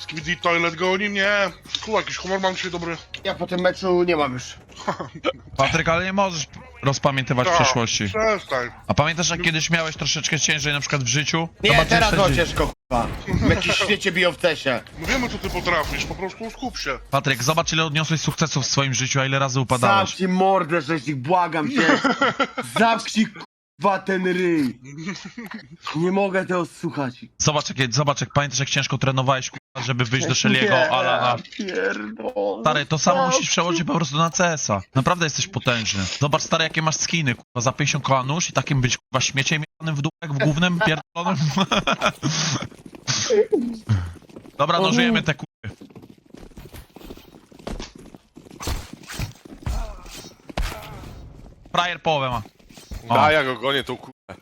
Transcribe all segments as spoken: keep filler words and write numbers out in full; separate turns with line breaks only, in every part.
Skibidi Toilet goni mnie. Tu jakiś humor mam dzisiaj dobry.
Ja po tym meczu nie mam już.
Patryk, ale nie możesz rozpamiętywać
No,
przeszłości.
Przestań.
A pamiętasz, jak kiedyś miałeś troszeczkę ciężej na przykład w życiu?
Nie,
Zobaczysz
teraz
te
o
dzi-
ciężko, k***a. Meczy świecie biją w cesie.
No wiemy co ty potrafisz, po prostu skup się.
Patryk, zobacz ile odniosłeś sukcesów w swoim życiu, a ile razy upadałeś.
Zamknij mordę, żeś ich, błagam cię. Zamknij, k***a, ten ryj. Nie mogę tego słuchać.
Zobacz, jak, zobacz, jak pamiętasz, jak ciężko trenowałeś, k***a, żeby wyjść do Shelly'ego,
Nie,
Alana.
pierdolę.
Stary, to samo musisz przełożyć po prostu na C S a. Naprawdę jesteś potężny. Zobacz, stary, jakie masz skiny, kurwa, za pięćdziesiąt koła nóż i takim być, kurwa, śmieciem jebanym w dół, jak w głównym pierdolonym. Dobra, no żyjemy te kurwy. Frajer połowę ma. O.
Da, ja go gonię tą kurwę.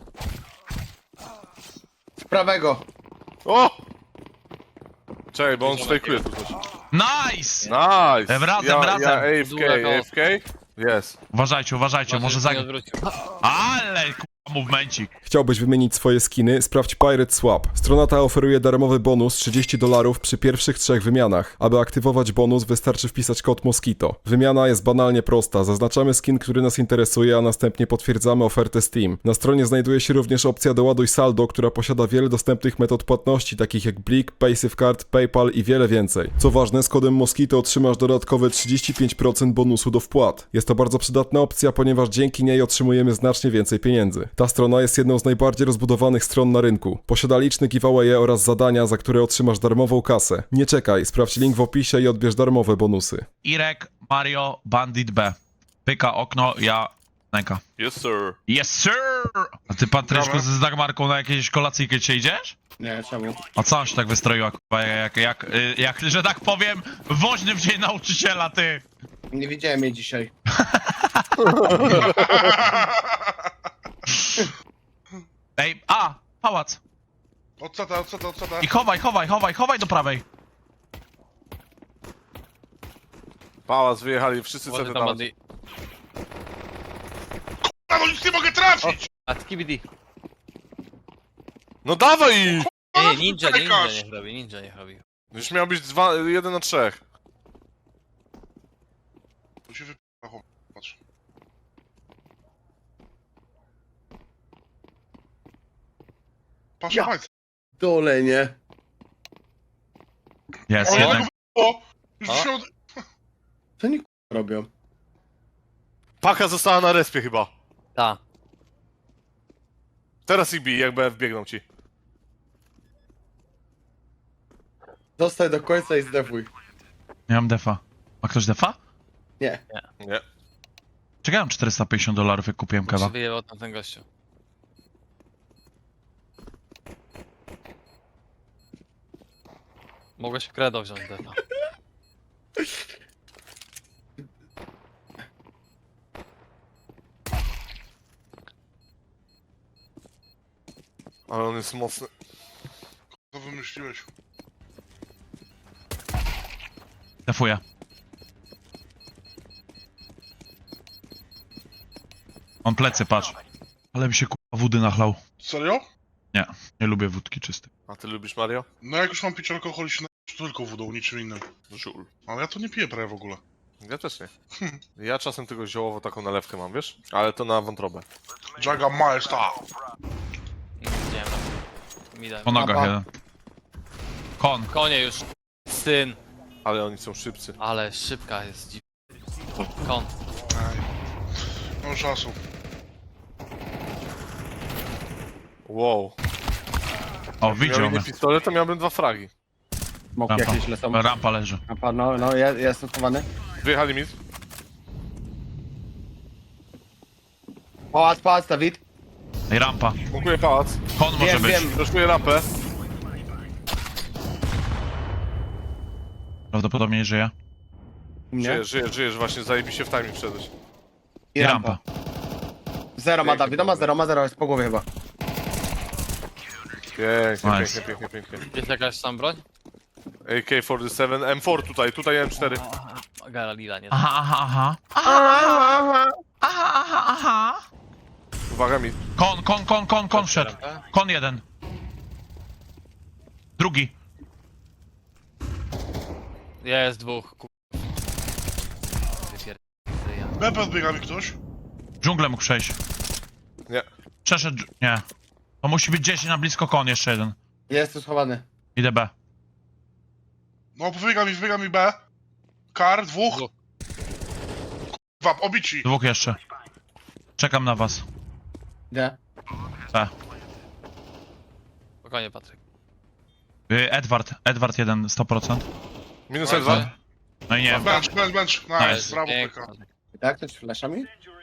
Z prawego.
O! Czekaj, bo on fejkuje tu coś.
Nice!
Nice!
Wracam,
ja,
wracam.
Ja A F K, A F K? Yes.
Uważajcie, uważajcie, może zagrać. Ale kurwa, movemencik.
Chciałbyś wymienić swoje skiny? Sprawdź Pirate Swap. Strona ta oferuje darmowy bonus trzydzieści dolarów przy pierwszych trzech wymianach. Aby aktywować bonus, wystarczy wpisać kod Mosquito. Wymiana jest banalnie prosta. Zaznaczamy skin, który nas interesuje, a następnie potwierdzamy ofertę Steam. Na stronie znajduje się również opcja doładuj saldo, która posiada wiele dostępnych metod płatności, takich jak Blik, PaySafeCard, PayPal i wiele więcej. Co ważne, z kodem Mosquito otrzymasz dodatkowe trzydzieści pięć procent bonusu do wpłat. Jest to bardzo przydatna opcja, ponieważ dzięki niej otrzymujemy znacznie więcej pieniędzy. Ta strona jest jedną z najbardziej rozbudowanych stron na rynku. Posiada liczne giveawaye oraz zadania, za które otrzymasz darmową kasę. Nie czekaj, sprawdź link w opisie i odbierz darmowe bonusy.
Irek, Mario, Bandit B. Pyka okno, ja... Nęka.
Yes, sir.
Yes, sir! A ty, Patryczku,
Dobra.
z Dagmarką na jakieś kolacyjkę dzisiaj idziesz?
Nie, czemu?
A co on się tak wystroiła, kurwa, jak, jak, jak, jak, że tak powiem, woźny w dzień nauczyciela, ty!
Nie widziałem jej dzisiaj.
Ej, a! Pałac!
Od co ta, od co ta, od co ta?
I chowaj, chowaj, chowaj, chowaj do prawej!
Pałac, wyjechali, wszyscy
Może
sobie
tam
tam.
ładniej.
A no nic nie mogę trafić!
A skibidi.
No dawaj ich!
Nie, nie, ninja, nie, ninja
Czekasz.
niech robi, ninja niech robi.
Już miał być dwa, jeden na trzech.
Tu się wyp***a, patrz. Patrz,
Ja.
patrz.
Dole, nie?
Jest,
Ale
jednak.
jak o! Już
O.
się od...
Co oni k***a robią?
Paka została na respie chyba.
Ta.
Teraz ich bij, jak B F biegną ci.
Zostań do końca i zdefuj.
Nie mam defa. Ma ktoś defa?
Nie.
Nie.
Czekałem czterysta pięćdziesiąt dolarów, jak kupiłem
Się
kewa.
wyjebał tam ten gościu. Mogłeś kredo wziąć defa.
Ale on jest mocny.
Co wymyśliłeś?
Defuję. On plecy, patrz. Ale mi się kurwa wody nachlał.
Serio?
Nie, nie lubię wódki czystej.
A ty lubisz Mario?
No jak już mam pić alkohol, się na... tylko wodą, niczym innym.
Żul.
Ale ja to nie piję prawie w ogóle.
Ja też nie. Ja czasem tylko ziołowo taką nalewkę mam, wiesz? Ale to na wątrobę.
Jaga Maesta!
Nie widziałem tam. Mi daj.
Po nogach
Papa.
jeden. Kon.
Konie już. Syn.
Ale oni są szybcy.
Ale szybka jest dziw. Kon.
Ej. No czasu.
Wow.
O, widział
Miał
mnie.
nie pistolet, to miałbym dwa fragi.
Smoki
Rampa.
jakieś lecą.
Rampa leży.
Rampa, no, no, ja, ja jestem schowany.
Wyjechali mi.
Pałac, pałac, Dawid.
Ej, rampa.
Bukuję pałac.
Kon może
Wiem,
być.
wiem.
Rozkuję rampę.
Prawdopodobnie nie żyje.
U mnie.
Żyjesz, żyjesz, żyjesz, właśnie zajebiście w timing wszedłeś.
I
I
rampa.
rampa.
Zero ma Dawid, no ma zero, ma zero, jest po głowie chyba.
Pięknie,
Nice.
pięknie, pięknie, pięknie.
Jest jakaś tam broń?
A K czterdzieści siedem, M cztery tutaj, tutaj M cztery.
Gara lila, nie.
Aha, aha, aha. Aha, aha, aha.
Uwaga mi.
Kon, kon, kon, kon, kon wszedł. Kon jeden. Drugi.
Jest dwóch, kur... Wypier... ja.
B podbiega mi ktoś.
Dżunglę mógł przejść.
Nie.
Przeszedł... dż- Nie. To musi być gdzieś na blisko kon jeszcze jeden.
Jest tu schowany.
Idę B.
No, wybiega mi, wybiega mi B. Kar, dwóch.
Dwóch.
Kurwa, obici.
Dwóch jeszcze. Czekam na was.
Gdzie?
B.
Spokojnie, Patryk.
Y, Edward. Edward jeden, sto procent.
Minus
Ale-
dwa.
No i nie.
Bench, bench, bench. Nice,
Nice.
brawo,
Pięknie,
Pyka.
Patryk.
Jak ktoś flashami?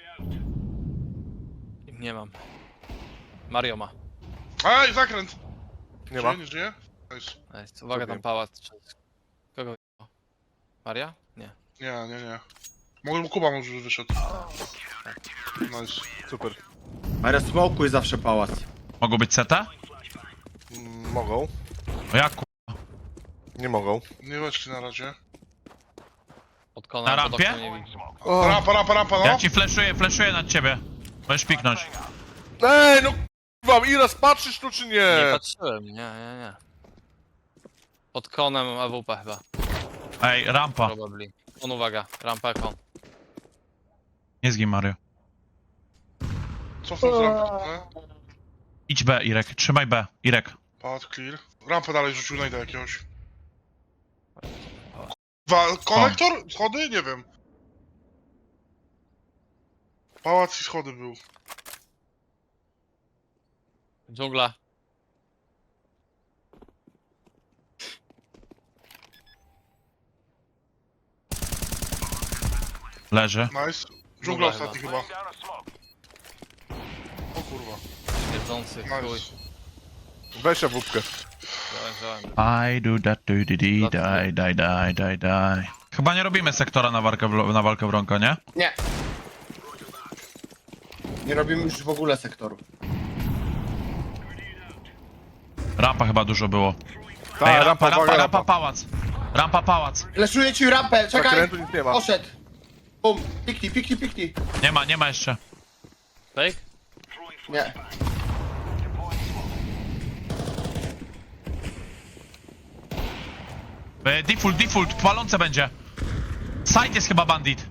Nie mam. Mario ma.
Ej, zakręt.
Nie ma.
Żyje, nie żyje? Nice.
Nice. Uwaga, tam
Zrobiłem.
pałac. Kogo wyjebał? Maria? Nie.
Nie, nie, nie. Może Kuba może wyszedł. Nice.
Super.
Ale smokuj zawsze pałac.
Mogą być C T?
Mm, mogą.
O jak ku...
Nie mogą.
Nie weszli na razie.
Od kona
Na
pod
rampie?
oknem nie widzę.
Rampa, rampa, rampa, no.
Ja ci fleszuję, fleszuję nad ciebie. Możesz piknąć.
Ej, no k***wa, Iras, patrzysz tu czy nie?
Nie patrzyłem, nie, nie, nie. Pod konem A W P chyba.
Ej, rampa.
Probably. On uwaga, rampa kon.
Nie zgin Mario.
Cofnął z rampy. nie?
Idź B, Irek. Trzymaj B. Irek.
Path clear. Rampę dalej rzucił, najdę jakiegoś. Wa konektor? Schody? Nie wiem. Pałac i schody był.
Dżungla.
Leży.
Nice. Dżungla ostatni chyba. O kurwa.
Śmierdzący, chuj.
Nice.
Weź ja wódkę.
Wziąłem, wziąłem.
I do that do di di die die die die die. Chyba nie robimy sektora na walkę, w, na walkę wronka, nie?
Nie. Nie robimy już w ogóle sektoru.
Rampa chyba dużo było.
Ta,
Ej,
rampa,
rampa,
uwaga,
rampa,
rampa.
pałac. Rampa, pałac.
Leszuję ci rampę, czekaj!
Zakrętu nic nie ma.
Poszedł. Bum, piknij, piknij, piknij.
Nie ma, nie ma jeszcze.
Fake?
Nie.
E, default, default, palące będzie. Side jest chyba bandit.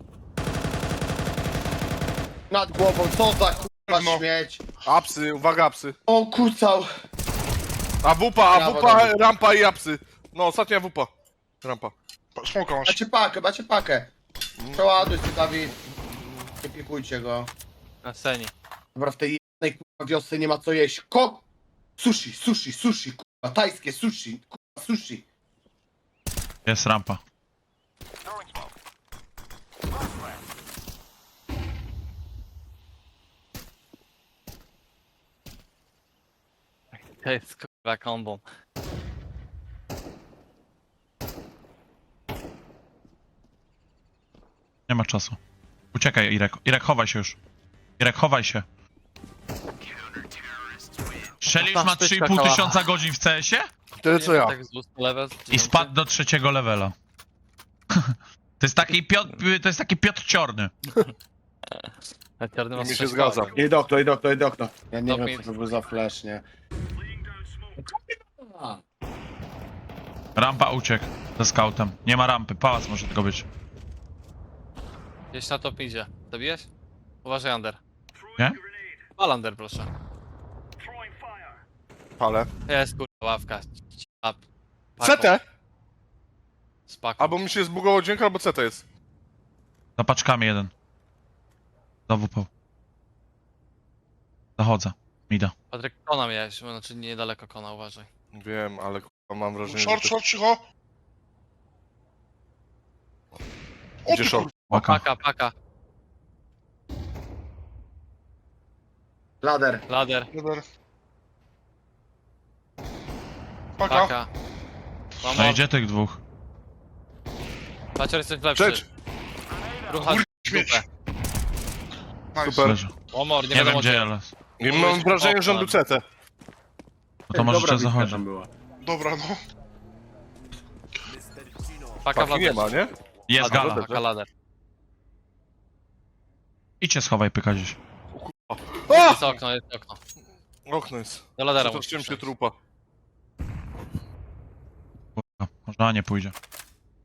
Nad głową, co za kurwa
No.
śmieć.
Apsy, uwaga, apsy.
O kucał.
A wupa, a
Brawo,
wupa,
Dawid.
rampa i apsy. No, ostatnia wupa. Rampa.
Pa- Smoka masz.
Macie pakę, macie pakę. Przeładuj się, Dawid. Nie pikujcie go.
Na scenie.
Dobra, w tej jednej kurwa wiosce nie ma co jeść. Ko... Sushi, sushi, sushi, kurwa, tajskie sushi, kurwa, sushi.
Jest rampa.
To jest kurwa kombą.
Nie ma czasu. Uciekaj, Irek. Irek, chowaj się już. Irek, chowaj się. Strzelił już ma trzy i pół tysiąca godzin w C S-ie
Tyle co ja.
Tak z dwustu level.
i spadł do trzeciego levela. To jest taki Piotr, to jest taki Piotr Ciorny.
Mi
Mi się zgadza.
Idź do okno, idź do okno, idź do okno. Ja nie
Top
wiem,
mid.
co to był za flash, nie? A,
Rampa uciekł ze scoutem. Nie ma rampy, pałac może tylko być.
Gdzieś na top idzie. Zabiłeś? Uważaj under.
Nie?
Pal under, proszę.
Ale.
Jest kurwa ławka. A,
C T!
Spaku.
Albo mi się zbugował dźwięk, albo C T jest.
Za paczkami jeden. Za W P. Zachodzę. Mida.
Patryk, kona miałeś, znaczy niedaleko kona, uważaj.
Wiem, ale k***a, mam wrażenie,
Short,
że...
short, cicho. O
Gdzie
ty
short?
Paka.
Paka, paka.
Lader.
Lader,
kurwa. Paka.
paka.
No
Mamo,
idzie tych dwóch.
Pacior jesteś lepszy.
Cześć!
Rucha
Śmieć.
dupę.
Nice.
Super.
Leży.
Omor, nie,
Nie
wiadomo
wiem gdzie,
gdzie.
ale...
I mam wrażenie, że on był C T.
No to może
Dobra
jeszcze
bitka
zachodzi.
tam była.
Dobra, no.
Paka w
Paki nie ma, nie?
Jest
Lader,
gala.
Paka, lader.
Idźcie schowaj pyka gdzieś.
A!
Jest okno, jest okno.
Okno jest.
Do ladera
Co to z
musisz
czym się
przejść.
trupa?
Kurwa, może A nie pójdzie.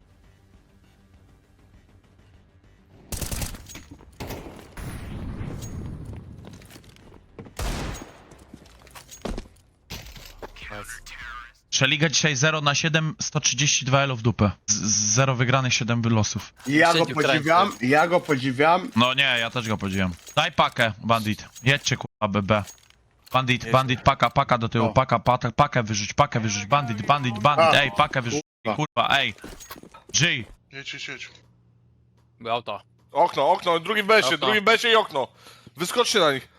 Przeliga dzisiaj zero na siedem, sto trzydzieści dwa elo w dupę. Z, z zero wygranych, siedem wylosów.
Ja go
Sędziów
podziwiam,
krańców.
ja go podziwiam.
No nie, ja też go podziwiam. Daj pakę, bandit. Jedźcie kurwa, B B. Bandit, bandit, paka, paka do tyłu,
O.
paka, paka, pakę wyrzuć, pakę wyrzuć, bandit, bandit, bandit,
A.
ej, pakę wyrzuć,
Kurwa.
kurwa, ej. G.
Jedź, jedź, jedź.
Był auto.
Okno, okno, drugi besie,
Okno.
drugi besie i okno. Wyskoczcie na nich.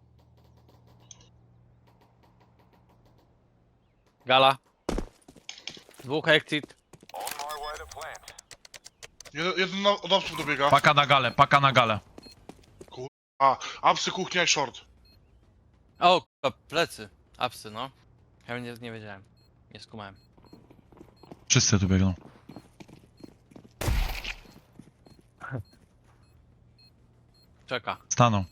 Gala. Dwóch exit.
Jeden, jeden na- od apsów dobiega.
Paka na galę, paka na galę.
A, apsy, kuchnia i short.
O, kurwa, plecy. Apsy, no. Ja nie, nie wiedziałem. Nie skumałem.
Wszyscy tu biegną.
Czeka.
Staną.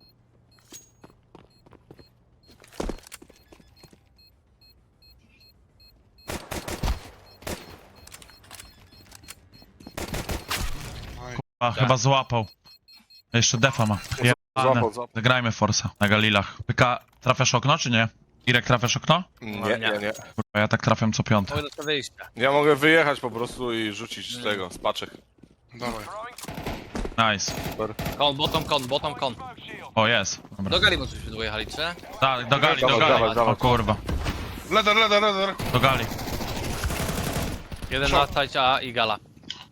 Aj.
A, chyba złapał. Jeszcze defa ma. Jebane.
Złapał, złapał.
Zagrajmy Forsa na Galilach. Pyka, trafiasz okno czy nie? Irek, trafiasz okno?
Nie,
No,
nie,
nie.
nie.
Kurwa, ja tak trafiam co piąte.
Mogę do wyjścia.
Ja mogę wyjechać po prostu i rzucić z tego, z paczek.
Dawaj.
Nice.
Kon, bottom kon, bottom kon.
O, jest. Dobra.
Do gali mogliśmy dojechali, czy?
Tak, do gali, do
Dawaj,
gali.
dawaj, dawaj.
O kurwa.
Leder, leder, leder.
Do gali.
Jeden
Co?
na stajcie A i gala.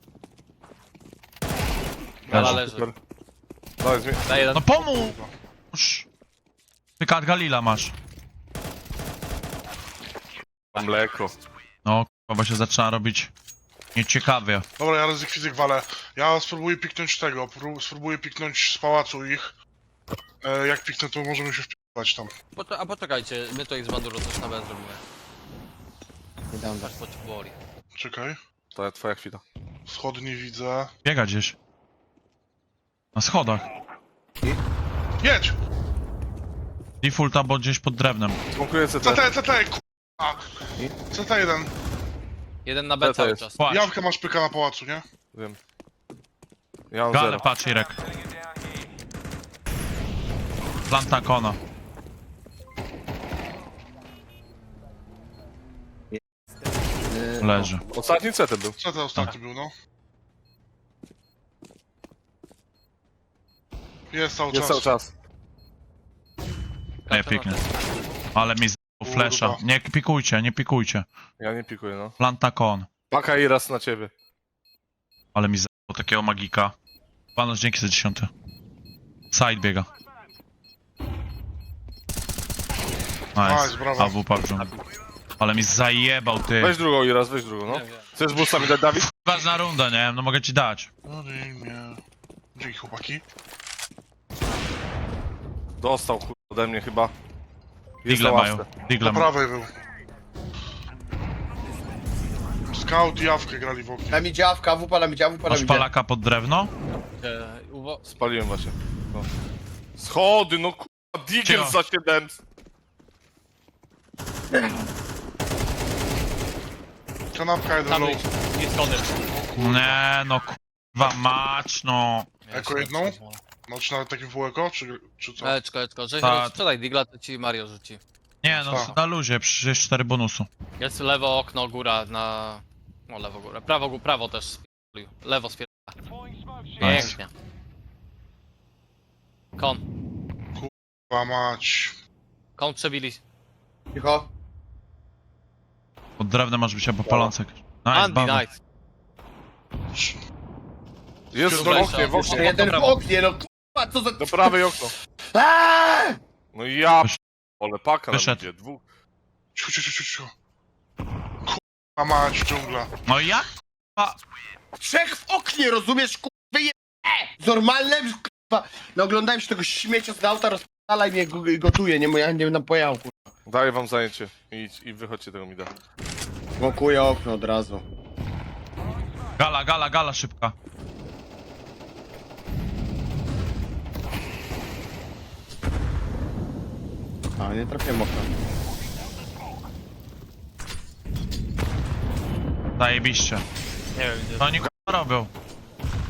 Gala leży.
Super. Dawaj, zmień.
Daj jeden.
No pomóż! Pyka, Galila masz.
Mam mleko.
No kurwa, bo się zaczyna robić nieciekawie.
Dobra, ja ryzyk fizyk walę. Ja spróbuję piknąć tego, pró- spróbuję piknąć z pałacu ich. E, jak piknę, to możemy się wpierdać tam.
Poczek- a poczekajcie, my to ich z banduro coś na B zrobimy.
Nie dam
Patrz, potrzebowali.
Czekaj.
To jest twoja chwila.
Wschody nie widzę.
Biega gdzieś. Na schodach.
Jedź!
Default albo gdzieś pod drewnem.
Smokuję C
C
T.
T, C T, k***a! C T jeden.
Jeden na B
To
cały
jest.
czas.
Płacz.
Jawkę masz pyka na pałacu, nie?
Wiem. Ja mam
Galę
zero.
patrz, Irek. Planta kona. Leży.
Ostatni C T był.
C T ostatni był, no. Jest cały
Jest cały
czas.
czas.
Nie, piknie. Ale mi z flesza. Nie pikujcie, nie pikujcie.
Ja nie pikuję, no.
Planta kon.
Paka i raz na ciebie.
Ale mi z takiego magika. Panos, dzięki za dziesiąty. Side biega.
Nice,
Nice.
brawo.
A W PUBG. Ale mi zajebał, ty.
Weź drugą i raz, weź drugą, no.
Nie wiem.
Chcesz busta mi dać, Dawid?
Ważna runda, nie? No mogę ci dać.
No nie, nie. Dzięki chłopaki.
Dostał kur... ode mnie chyba. Jest
Digle
na
mają.
ławce.
Digle
Po
mają.
prawej był. Scout i Jawkę grali w oknie.
Na mi działka, wupa na mi działa, wupa na
Masz
mi działa.
palaka pod drewno?
E, uwo-
Spaliłem właśnie. No. Schody, no kurwa, Digger
Cicho.
za siedem.
Kanapka jeden
Tam
low.
wyjść. Nie schody.
Nie, no kurwa mać, no.
Jako jedną? No czy nawet takim półeko, czy, czy co?
Eczko, eczko. Że
Tak.
sprzedaj digla, to ci Mario rzuci.
Nie, no
Tak.
na luzie, przecież jest cztery bonusu.
Jest lewo okno, góra na... No lewo góra. Prawo, gó- prawo też spierdolił. Lewo spierdolił. Pięknie. Kon.
Kurwa mać.
Kon przebili.
Cicho.
Pod drewnem masz być albo palącek. Nice,
Andy,
brawo.
nice.
Jest w
Dobra,
oknie, w
jeszcze
oknie.
Jeden w
prawo.
oknie, no kurwa, co za...
Do prawej okno.
Aaaa!
No i ja
Wysz-
ale paka nam
Wyszedł.
idzie, dwóch.
Ciu, ciu, ciu, ciu, ciu. Kurwa mać, dżungla.
No i jak?
Trzech w oknie, rozumiesz, kurwa, je... Normalne, kurwa. No oglądałem się tego śmiecia z auta, rozpala i mnie go- gotuje, nie, bo ja nie będę pojechał, kurwa.
Daję wam zajęcie. I, i wychodźcie tego mi da.
Smokuję okno od razu.
Gala, gala, gala szybka.
A, nie trafiłem okna.
Zajebiście.
Nie wiem gdzie.
No oni kurwa robią.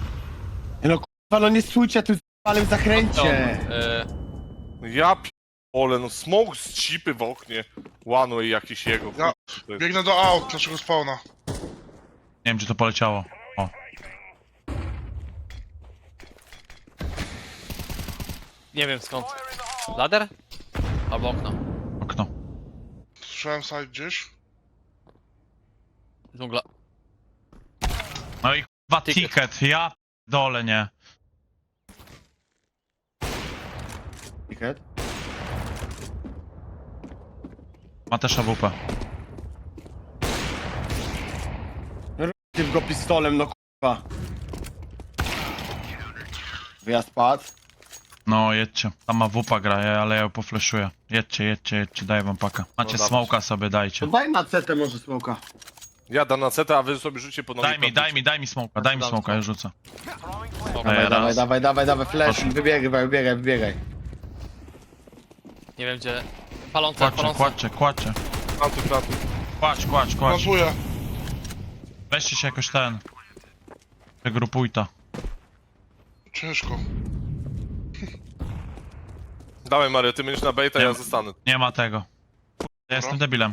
No kurwa, no nie stójcie tu z palem zakręcie.
E,
No ja p... Ole, no smoke z cipy w oknie. One way jakiś jego.
Ja
To jest-
biegnę do aut naszego spawna.
Nie wiem, czy to poleciało. O,
Nie wiem skąd. Lader? Albo okno.
okno.
Słyszałem side gdzieś.
Dżungla.
No i chyba
Ticket.
ticket, ja dole nie.
Ticket.
Ma też A W P.
Ty go pistolem, no kurwa. Wyjazd padł.
No jedźcie. Tam A W P gra, ja- ale ja ją pofleszuję. Jedźcie, jedźcie, jedźcie, daję wam paka. Macie
No dawać.
smoka sobie,
To
dajcie.
daj na cetę może smoka.
Ja dam na cetę, a wy sobie rzucie po nogi.
Daj mi, daj mi, daj mi smoka, daj mi
Dam
smoka, ja rzucę.
Smok.
Daję
Dawaj, dawaj,
raz.
dawaj, dawaj, dawaj, flash,
Proszę.
wybiegaj, wybiegaj, wybiegaj.
Nie wiem gdzie. Palące,
Kładźcie,
palące.
kładźcie, kładźcie.
Plantuj, plantuj.
Kładź, kładź, kładź.
Plantuję.
Weźcie się jakoś ten. Wygrupuj to.
Ciężko.
Dawaj Mario, ty będziesz na baita,
Nie
ja
ma.
zostanę.
Nie ma tego. Ja jestem debilem.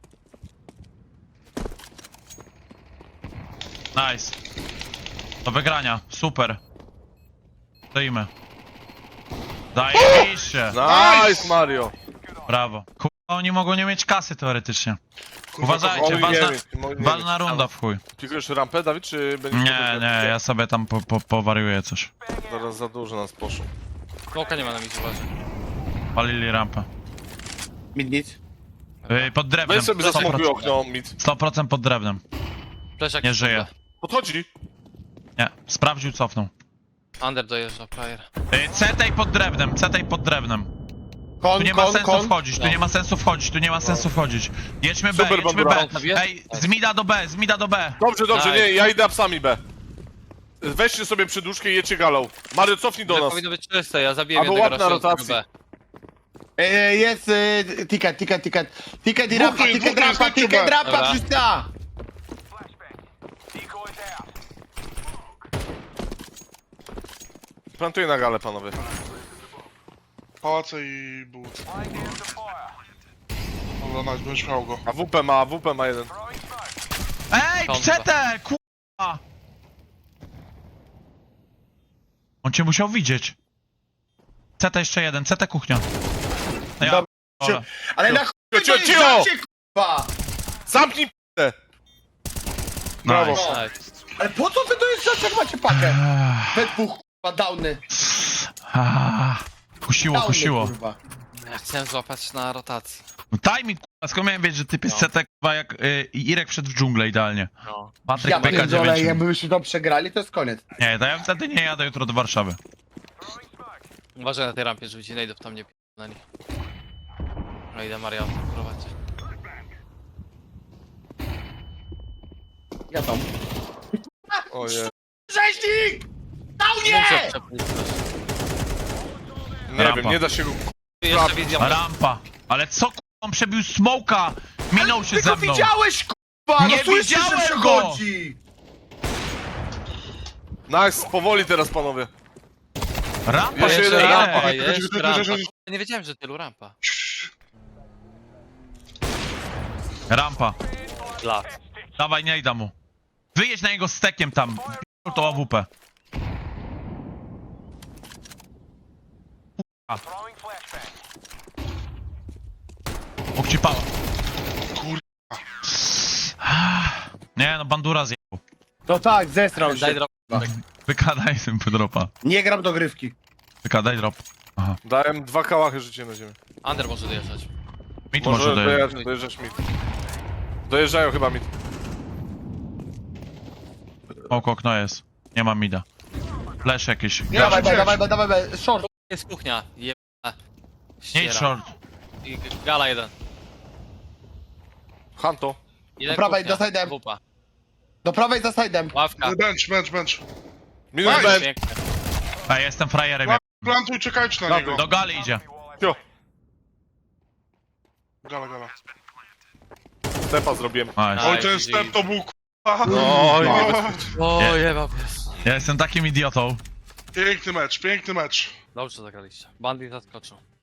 Nice. Do wygrania, super. Stoimy. Zajebiście.
Nice Mario!
Brawo. Kurwa, oni mogą nie mieć kasy teoretycznie.
Kurwa,
Uważajcie,
Mogli nie
ważna,
mieć, mogli nie
ważna
mieć.
runda w chuj.
Pikujesz rampę, Dawid, czy będziesz...
Nie, nie, ja sobie tam po, po, powariuję coś.
Zaraz za dużo nas poszło.
Smoka nie ma na micie, uważaj.
Palili rampę.
Mid nic.
Yy, pod drewnem.
Weź sobie
sto
zasmokuj
procent.
okno, mid.
sto procent pod drewnem.
Fleszak
Nie żyje.
Podchodzi.
Nie, sprawdził, cofnął.
Under dojeżdża, player.
Yy, Cetej pod drewnem, cetej pod drewnem.
Kon,
Tu nie ma
kon,
sensu
kon.
wchodzić, tu
No.
nie ma sensu wchodzić, tu nie ma sensu wchodzić. Jedźmy B,
Super,
jedźmy
Bandura.
B. Ej, z mida do B, z mida do B.
Dobrze, dobrze,
Nice.
nie, ja idę psami B. Weźcie sobie przyduszkę i jedźcie galą. Mario, cofnij do
To
nas.
powinno być czyste, ja zabiłem
Albo
jednego
łap na
rozsiądnego
rotacji.
B.
E, jest e, ticket, ticket, ticket. Ticket i
Dwóch
rampa,
tu jest,
ticket,
dwóch tu jest,
rampa,
chodźcie,
ticket,
B.
rampa,
Dobra.
wszyscy.
Plantuję na galę, panowie.
Pałace i but. Dobra, nice, będziesz miał go.
A W P ma, A W P ma jeden.
Ej,
Kąta.
cetę, kurwa. On cię musiał widzieć. Cetę jeszcze jeden, cetę kuchnia. No ja,
Dobra.
ole.
Ale na chuj
Cio, cio, cio!
dojeżdżacie, kurwa!
Zamknij p***ę! Brawo.
Nice.
Nice.
Ale po co wy dojeżdżacie, jak macie pakę?
Ech,
We dwóch, kurwa, downy.
ah, Kusiło,
Downy,
kusiło.
kurwa.
Ja chciałem złapać na rotacji.
No timing, kurwa, skąd miałem wiedzieć, że typ jest
No.
cetę, kurwa, jak y, Irek wszedł w dżunglę idealnie.
No.
Patryk
Ja
P K
pierdolę,
dziewięć.
jakbyśmy to przegrali, to jest koniec.
Nie, to ja wtedy nie jadę jutro do Warszawy.
Uważaj na tej rampie, żeby ci najdów tam nie p***nęli. No idę Maria prowadzić.
Ja tam.
Oje.
Rzeźnik! Downie!
Muszę przepuścić.
Nie
Rampa.
wiem, nie da się go...
Jeszcze wizja.
Rampa. Ale co, kurwa, on przebił smoka. Minął się
Ty
ze
go
mną.
widziałeś, kurwa!
Nie
No słyszysz, że
widziałem
przechodzi!
Nice, powoli teraz, panowie.
Rampa
Jeszcze
jeszcze
jeden
ile?
rampa,
rampa,
Czekaj,
jest
czekaj,
rampa.
czekaj, czekaj.
Ja nie wiedziałem, że tylu rampa.
Rampa.
Lat.
Dawaj, nie da mu. Wyjedź na jego stekiem tam. P***ł to A W P. Kurwa. Bóg ci pała.
Kur...
Nie no, bandura zjechał.
No tak, zestrał
Daj
się.
drop.
Wykadaj tym dropa.
Nie gram do grywki.
Wykadaj drop. Aha.
Dałem dwa kałachy życie na ziemię.
Under może dojeżdżać.
Mit
Może
może dojeżdżać.
dojeżdżać, dojeżdżać mid. Dojeżdżają chyba mid.
Oko okno jest. Nie ma mida. Flash jakiś.
Nie,
Dawaj,
gdzieś.
dawaj, dawaj, dawaj, dawaj, short.
Jest kuchnia. Je...
Nie idź short.
I gala jeden.
Hanto.
Jeden
Do prawej,
kuchnia.
do side'em.
Wupa.
Do prawej za side'em.
Ławka.
Bench, bench, bench.
Minus
Nice.
B.
Pięknie.
A ja jestem frajerem.
Pla- Plantuj, czekajcie na niego.
Do gali idzie.
Cio.
Gala, gala.
Stepa zrobiłem.
Nice.
Oj,
Nice,
ten
G G.
step to był k***a.
No,
O,
O, jebał pies.
Ja jestem takim idiotą.
Piękny mecz, piękny mecz.
Dobrze zagraliście. Bandit zaskoczył.